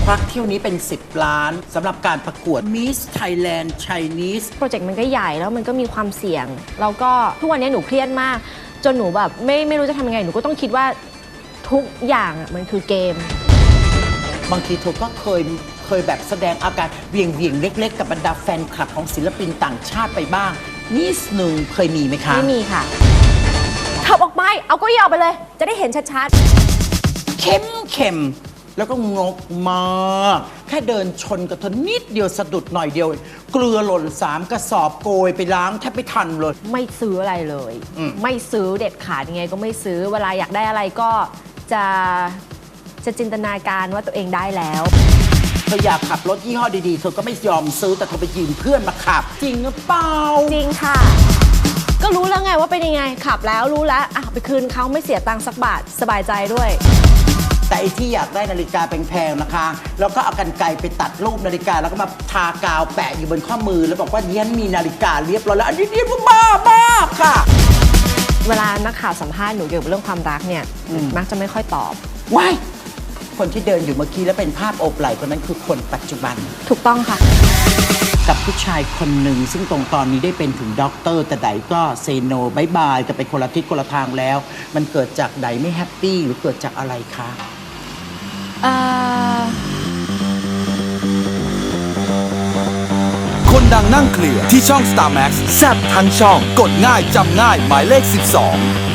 ควักเที่ยวนี้เป็น10 ล้านสำหรับการประกวด Miss Thailand Chinese โปรเจกต์มันก็ใหญ่แล้วมันก็มีความเสี่ยงแล้วก็ทุกวันนี้หนูเครียดมากจนหนูแบบไม่รู้จะทำยังไงหนูก็ต้องคิดว่าทุกอย่างมันคือเกมบางทีเธอก็เคยแบบแสดงอาการเวียงเล็กๆกับบรรดาแฟนคลับของศิลปินต่างชาติไปบ้างนิดนึงเคยมีไหมคะไม่มีค่ะขับออกไปเอาเก้าอี้ออกไปเลยจะได้เห็นชัดๆเข้มแล้วก็งกมากแค่เดินชนกับเธอนิดเดียวสะดุดหน่อยเดียวเกลือหล่น3 กระสอบโกยไปล้างแทบไม่ทันเลยไม่ซื้ออะไรเลยไม่ซื้อเด็ดขาดยังไงก็ไม่ซื้อเวลาอยากได้อะไรก็จะจินตนาการว่าตัวเองได้แล้วเธออยากขับรถยี่ห้อดีๆเธอก็ไม่ยอมซื้อแต่เธอไปยืมเพื่อนมาขับจริงหรือเปล่าจริงค่ะก็รู้แล้วไงว่าเป็นยังไงขับแล้วรู้แล้วไปคืนเขาไม่เสียตังค์สักบาทสบายใจด้วยแต่ไอ้ที่อยากได้นาฬิกาแพงๆนะคะแล้วก็เอากรรไกรไปตัดรูปนาฬิกาแล้วก็มาทากาวแปะอยู่บนข้อมือแล้วบอกว่าเนี้ยมีนาฬิกาเรียบร้อยแล้วอันนี้เรียกว่าบ้าค่ะเวลานักข่าวสัมภาษณ์หนูเกี่ยวกับเรื่องความรักเนี่ยมักจะไม่ค่อยตอบว้ายคนที่เดินอยู่เมื่อกี้แล้วเป็นภาพโอบไหล่คนนั้นคือคนปัจจุบันถูกต้องค่ะกับผู้ชายคนหนึ่งซึ่งตรงตอนนี้ได้เป็นถึงด็อกเตอร์แต่ไดก็เซโนบายบายจะไปคนละทิศคนละทางแล้วมันเกิดจากไดไม่แฮปปี้หรือเกิดจากอะไรคะคนดังนั่งเคลียร์ที่ช่อง Star Max แซ่บทั้งช่องกดง่ายจำง่ายหมายเลข 12